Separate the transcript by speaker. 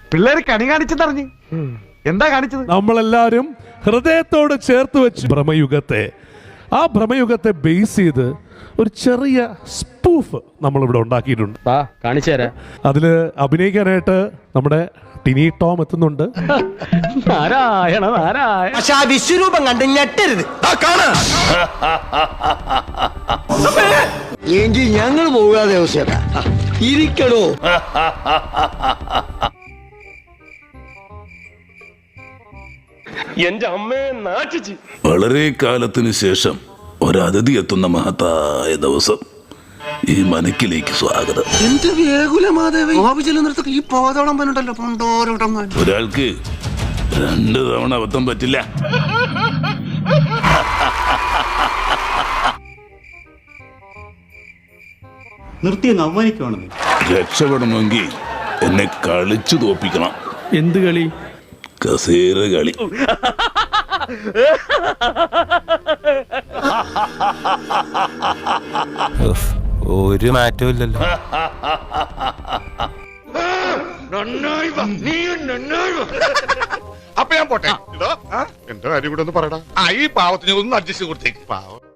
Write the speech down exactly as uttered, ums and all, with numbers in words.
Speaker 1: പിള്ളേര് കണി കാണിച്ചെന്നറിഞ്ഞ്. എന്താ കാണിച്ചത്?
Speaker 2: നമ്മളെല്ലാരും ഹൃദയത്തോട് ചേർത്ത് വെച്ച് ഭ്രമയുഗത്തെ ആ ഭ്രമയുഗത്തെ ബേസ് ചെയ്ത് ഒരു ചെറിയ സ്പൂഫ് നമ്മളിവിടെ ഉണ്ടാക്കിയിട്ടുണ്ട്.
Speaker 3: കാണിച്ചു തരാം.
Speaker 2: അതില് അഭിനയിക്കാനായിട്ട് നമ്മുടെ ടിനി ടോം എത്തുന്നുണ്ട്.
Speaker 3: നാരായണ നാരായണ.
Speaker 4: പക്ഷെ ആ വിശ്വരൂപം കണ്ട് ഞെട്ടരുത്. എങ്കിൽ ഞങ്ങൾ പോകാതെ ഇരിക്കണോ?
Speaker 3: എന്റെ അമ്മയെ നാട്ടിച്ച്.
Speaker 5: വളരെ കാലത്തിന് ശേഷം ഒരതിഥി എത്തുന്ന മഹത്തായ ദിവസം. ഈ മനക്കിലേക്ക് സ്വാഗതം.
Speaker 4: എന്റെ വേകുലമാദേവി ചെല്ലുന്നിടത്തൊക്കെ ഈ പോതോളം പനുണ്ടല്ലോ പണ്ടോരോടം.
Speaker 5: ഒരാൾക്ക് രണ്ടു തവണ അബദ്ധം പറ്റില്ല.
Speaker 6: നിർത്തി അങ്ങ് അവമാനിക്കുവാണെന്ന്.
Speaker 5: രക്ഷപ്പെടണമെങ്കിൽ എന്നെ കളിച്ചു തോപ്പിക്കണം.
Speaker 3: എന്ത് കളി?
Speaker 5: കസേര കളി.
Speaker 7: ഒരു മാറ്റവും ഇല്ലല്ലോ.
Speaker 8: അപ്പൊ ഞാൻ പോട്ടെ. എന്റെ കാര്യം കൂടെ ഒന്ന് പറയടാ. ഈ പാവത്തിന് ഒന്ന് അഡ്ജസ്റ്റ് കൊടുത്തേക്ക്. പാവം.